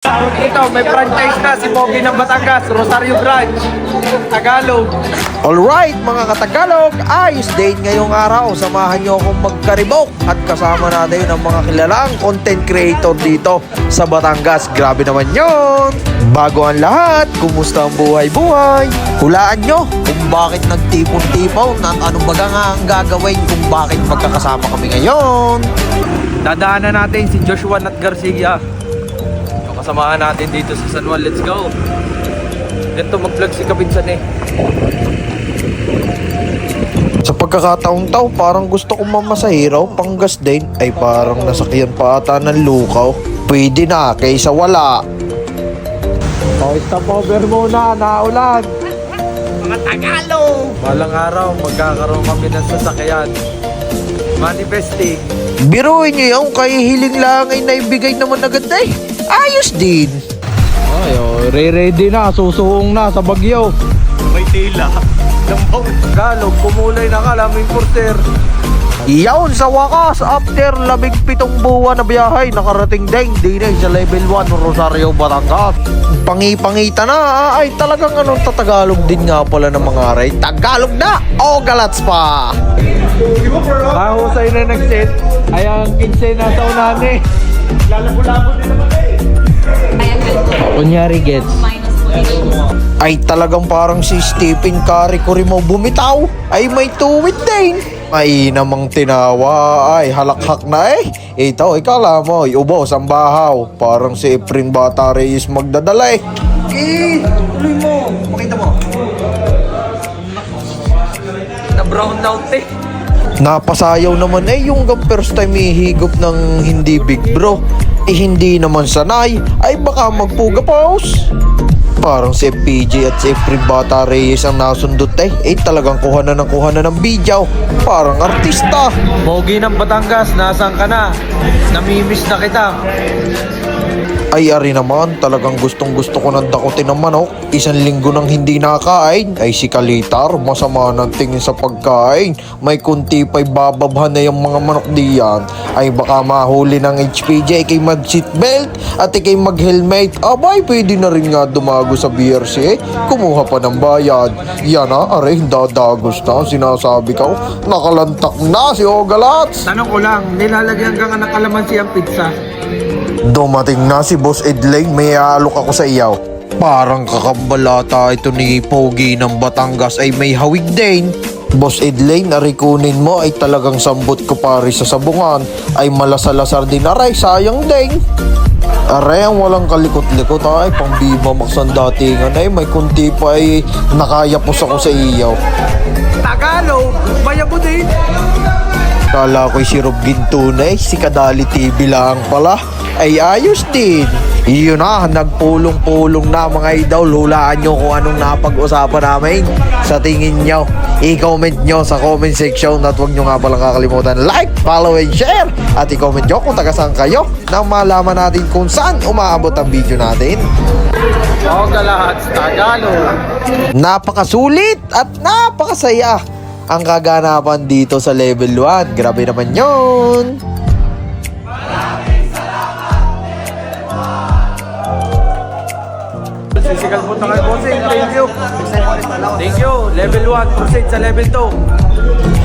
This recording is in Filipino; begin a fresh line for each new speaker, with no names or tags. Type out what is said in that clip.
Tawag ito, may franchise na si Pogi ng Batangas, Rosario Branch, Tagalog.
Alright mga katagalog, ayos din ngayong araw. Samahan nyo akong magkaribok at kasama natin ang mga kilalang content creator dito sa Batangas. Grabe naman yon. Bago ang lahat, kumusta ang buhay-buhay? Hulaan nyo kung bakit nagtipon-tipaw at anong baga nga ang gagawin kung bakit magkakasama kami ngayon.
Dadaanan natin si Joshua Nat Garcia. Kasamahan natin dito sa San Juan. Let's go. Ganito mag-vlog si Kabinsan eh.
Sa pagkakataong tao, parang gusto kong mamasahiraw, panggas din, ay parang nasakyan pa ata ng lukaw. Pwede na, kaysa wala.
Oh, stop over muna, naulan. Mga Tagalog! Balang araw, magkakaroon kami ng sasakyan. Manifesting.
Biruin nyo yung kahihiling lang ay naibigay naman agad eh. Ayos din.
Ay, oh, ready na, susuong na sa Bagyo. May tila. Lambaw. Tagalog, kumulay na ka, laming porter.
Iyaon sa wakas, after 17 buwan na biyahe, nakarating din sa level 1 Rosario, Batangas. Pangipangita na, ay talagang anong tatagalog din nga pala ng mga aray. Tagalog na o galats pa.
Mahusay na nag-set, ay ang 15 na sa unahan eh. Lalabo-labo din naman eh. Kunyari gets.
Ay talagang parang si Stephen Curry ko rin mo bumitaw. Ay may tuwid din. Ay namang tinawa, ay halakhak na eh. Ito, ikala mo, ubos ang bahaw. Parang si Efren Bata Reyes magdadala eh. Tuloy mo, makita mo.
Na brown out eh.
Napasayaw naman eh yung first time ihigop ng hindi big bro. Eh hindi naman sanay, ay baka magpuga pause. Parang si FPJ at si Efren Bata Reyes ang nasundot eh. Eh talagang kuha na ng video. Parang artista.
Pogi ng Batangas, nasaan ka na? Namimiss na kita.
Ay ari naman, talagang gustong gusto ko ng dakutin ng manok. 1 linggo nang hindi nakain. Ay si Kalitar, masama ng tingin sa pagkain. May kunti pa'y bababhan na yung mga manok diyan. Ay baka mahuli ng HPJ kay mag seatbelt at ikay mag helmet. Abay pwede na rin nga dumago sa BRC. Kumuha pa ng bayad. Yan na, aray dadagos na. Sinasabi ko, nakalantak na si Ogalats.
Tanong ko lang, nilalagyan ka nga ng kalamansi ang pizza.
Dumating na si Boss Edlane, may alok ako sa iyaw. Parang kakambalata ito ni Pogi ng Batangas ay may hawig din. Boss Edlane, arikunin mo ay talagang sambot ko pare sa sabungan. Ay malasalasar din aray, sayang din. Aray, ang walang kalikot-likot ay pang Viva Max ang datingan ay may kunti pa ay nakayapos ako sa iyaw.
Tagalog, mayabo din.
Kala ko'y si Rob Gintunay, si Kadali TV lang pala. Ay ayos din. Yun na, nagpulong-pulong na mga idol. Hulaan nyo kung anong napag-usapan namin. Sa tingin nyo, i-comment nyo sa comment section. At huwag nyo nga palang kakalimutan like, follow, and share. At i-comment nyo kung taga-saan kayo nang malaman natin kung saan umaabot ang video natin.
Ogalats, Tagalog.
Napakasulit at napakasaya ang kaganapan dito sa level 1. Grabe naman yun.
Physical po tayo, bossing. Thank you. Thank you. Level 1, proceed sa level 2.